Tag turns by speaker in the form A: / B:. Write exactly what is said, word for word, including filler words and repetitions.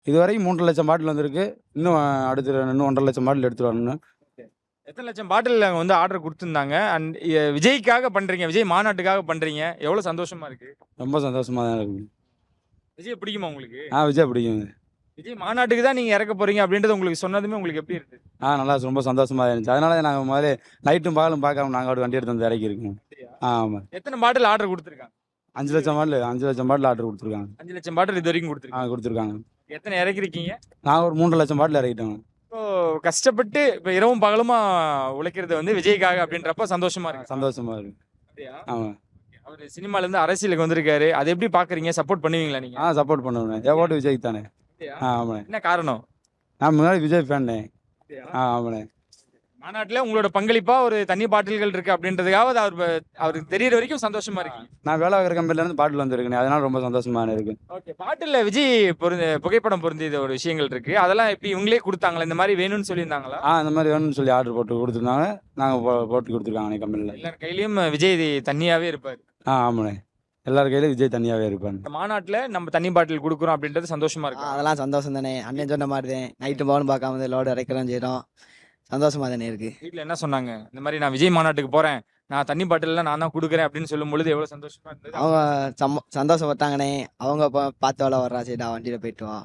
A: இதுவரைக்கும் மூன்று லட்சம் பாட்டில் வந்திருக்கு. இன்னும் அடுத்து இன்னும் ஒன்றரை லட்சம் பாட்டில் எடுத்துட்டு வரணும்.
B: எத்தனை லட்சம் பாட்டில் அங்க வந்து ஆர்டர் குடுத்துருந்தாங்க. அண்ட் எ விஜய்க்காக பண்றீங்க. விஜய் மாநாட்டுக்காக பண்றீங்க. எவ்வளோ சந்தோஷமா இருக்கு?
A: ரொம்ப சந்தோஷமா தான் இருக்கு.
B: விஜய் பிடிக்குமா உங்களுக்கு?
A: ஆ விஜய் பிடிக்குங்க.
B: விஜய் மாநாட்டுக்கு தான் நீங்க இறக்க போறீங்க அப்படின்றது உங்களுக்கு சொன்னதுமே உங்களுக்கு எப்படி இருந்தது?
A: ஆ நல்லா ரொம்ப சந்தோஷமா இருந்துச்சு. அதனால தான் நாங்க முதல்ல நைட்டும் பகலும் பார்க்காம நாங்க ஒரு வண்டி எடுத்து வந்து இறக்கியிருக்கோம். ஆ ஆமா.
B: எத்தனை பாட்டில் ஆர்டர் குடுத்துருக்காங்க?
A: அஞ்சு லட்சம் பாட்டில் அஞ்சு லட்சம் பாட்டில் ஆர்டர் குடுத்துருக்காங்க.
B: அஞ்சு லட்சம் பாட்டில் இதுவரைக்கும்
A: ஆ
B: குடுத்துருக்காங்க.
A: குடுத்துருக்காங்க.
B: எத்தனை இறக்கிருக்கீங்க?
A: நாங்க ஒரு மூன்று லட்சம் பாட்டில் இறக்கிட்டோங்க.
B: இப்போ கஷ்டப்பட்டு இப்ப இரவும் பகலுமா உழைக்கிறது வந்து விஜய்க்காக அப்படின்றப்ப சந்தோஷமா இருக்கு.
A: சந்தோஷமா இருக்கு.
B: அப்படியா?
A: ஆமா.
B: அவரு சினிமால இருந்து அரசியலுக்கு வந்திருக்காரு. அதை எப்படி பாக்குறீங்க? சப்போர்ட் பண்ணுவீங்களா நீங்க?
A: ஆ சப்போர்ட் பண்ணுவேன். என் ஓட்டு விஜய்க்கு தானே.
B: அப்படியா?
A: ஆ ஆமாண்ணே.
B: என்ன காரணம்?
A: நான் முன்னாடி விஜய் ஃபேன்னே.
B: அப்படியா?
A: ஆ ஆமாண்ணே.
B: மாநாட்டுல உங்களோட பங்களிப்பா ஒரு தண்ணி பாட்டில்கள் இருக்கு அப்படின்றதுக்காக அவர் ப- அவருக்கு தெரியற வரைக்கும் சந்தோஷமா இருக்கு.
A: நான் வேலை பார்க்குற கம்பெனில இருந்து பாட்டில் வந்திருக்கேன். அதனால ரொம்ப சந்தோஷமா இருக்கு.
B: ஓகே. பாட்டில்ல விஜய் பொருந்த புகைப்படம் பொருந்திய ஒரு விஷயங்கள் இருக்கு. அதெல்லாம் எப்படி இவங்களே கொடுத்தாங்களா? இந்த மாதிரி வேணும்னு சொல்லியிருந்தாங்களா?
A: ஆ இந்த மாதிரி வேணும்னு சொல்லி ஆர்டர் போட்டு கொடுத்துருந்தாங்க. நாங்கள் போ போட்டு கொடுத்துருக்காங்க கம்பெனியில்.
B: எல்லார் கையிலயும் விஜய் தண்ணியாவே இருப்பாரு.
A: ஆ ஆமாண்ணே. எல்லார் கையிலும் விஜய் தனியாகவே இருப்பாங்க.
B: இந்த மாநாட்டுல நம்ம தண்ணி பாட்டில் கொடுக்குறோம் அப்படின்றது சந்தோஷமா
C: ஆ,
B: இருக்கு.
C: அதெல்லாம் சந்தோஷம் தானே. அண்ணன் சொன்ன மாதிரி தான் நைட்டு பவன் பார்க்காம வந்து லோடு இறக்கிறோம் செய்கிறோம். சந்தோஷமா தானே இருக்கு.
B: வீட்ல என்ன சொன்னாங்க? இந்த மாதிரி நான் விஜய் மாநாட்டுக்கு போறேன், நான் தண்ணி பாட்டில்லாம் நான் தான் கொடுக்குறேன் அப்படின்னு சொல்லும் பொழுது எவ்வளவு சந்தோஷமா இருந்தது?
C: அவங்க சம்ம சந்தோஷப்பட்டாங்கண்ணே. அவங்க பா- பார்த்து வேலை வர்றா சரிடா வண்டியில் போயிட்டு வா